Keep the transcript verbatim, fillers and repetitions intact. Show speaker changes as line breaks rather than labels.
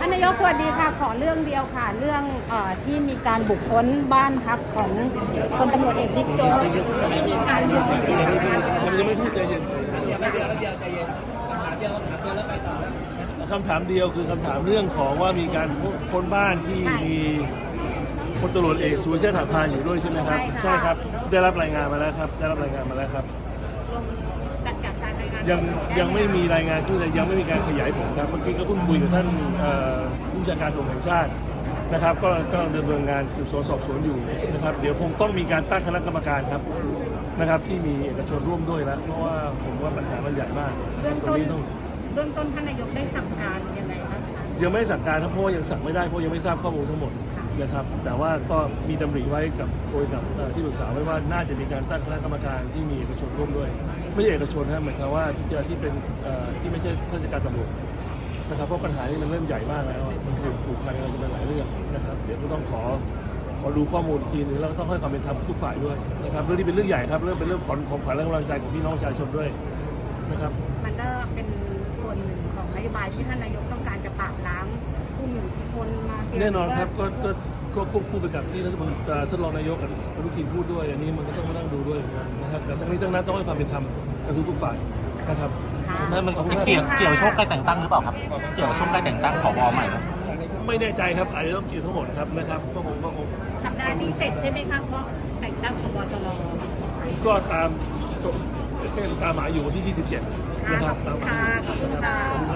านนายกสวัสดีค่ะขอเรื่องเดียวค่ะเรื่องเอ่อที่มีการบุกค้นบ้านพักของพลตำรวจเอกบิ๊กโจ๊กที่มีการบุกค้น
ผมยังไม่พูดใจเย็นคำถามเดียวคือคำถามเรื่องของว่ามีการค้นบ้านที่มีพลตำรวจเอกสุรเชษฐ์หักพานอยู่ด้วยใช่ไหมครับใช่ครับได้รับรายงานมาแล้วครับได้รับรายงานมาแล้วครับยังยังไม่มีรายงานที่ยังไม่มีการขยายผลครับเมื่อกี้ก็เพิ่งคุยกับท่านผู้บัญชาการตำรวจแห่งชาตินะครับก็ก็ดำเนินงานสืบสวนสอบสวนอยู่นะครับเดี๋ยวคงต้องมีการตั้งคณะกรรมการครับนะครับที่มีเอกชนร่วมด้วยแล้วเพราะว่าผมว่าปัญหามันใหญ่มาก
เบื้องต้นเบื้องต้นท่านนายกได้สั่งการยังไงบ้างคะ
ยังไม่สั่งการครับเพราะยังสั่งไม่ได้เพราะยังไม่ทราบข้อมูลทั้งหมดนะครับแต่ว่าก็มีดำริไว้กับโดยกับที่ปรึกษาไว้ว่าน่าจะมีการตั้งคณะกรรมการที่มีเอกชนร่วมด้วยไม่ใช่เอกชนนะหมายความว่าที่ที่เป็นที่ไม่ใช่ข้าราชการตำรวจนะครับเพราะปัญหานี้มันเริ่มใหญ่มากแล้วมันถูกผูกพันกันเป็นหลายเรื่องนะครับเดี๋ยวก็ต้องขอขอดูข้อมูลทีนึงแล้วก็ต้องให้ความเป็นธรรมทุกฝ่ายด้วยนะครับเรื่องนี้เป็นเรื่องใหญ่ครับเรื่องเป็นเรื่องของของขวัญและกำลังใจของพี่น้องประชาชนด้วยนะครับ
มันก็เป็นส่วนหนึ่งของนโยบายที่ท่านนายกต้องการจะปราบล้างผู้มีอิทธิพลมา
แน่นอนครับก็ก็ก็ควบคู่ไปกับที่รัฐมนตรีท่านรองนายกกับอนุทินพูดด้วยอันนี้มันก็ต้องมานั่งดูด้วยนะครับแต่ทั้งนี้ทั้งนั้นต้องให้ความเป็นธรรมกับทุกๆฝ่ายนะครับ
มันจะเกี่ยวเกี่ยวโชคการแต่งตั้งหรือเปล่าครับเกี่ยวโชคการแต่งตั้งผบใหม่
ไม่แน่ใจครับอาจจะต้องเกี่ยวทั้งหมดครับนะครับก็คงก็คง
สัปดาห์นี้เสร็จใช่ไหมครับเพราะแต่งตั้งผบ.ตร.
ก็ตามตามหมายอยู่วันที่ยี่สิบเจ็ดนะครับตามหมาย
ขอบคุณค่ะ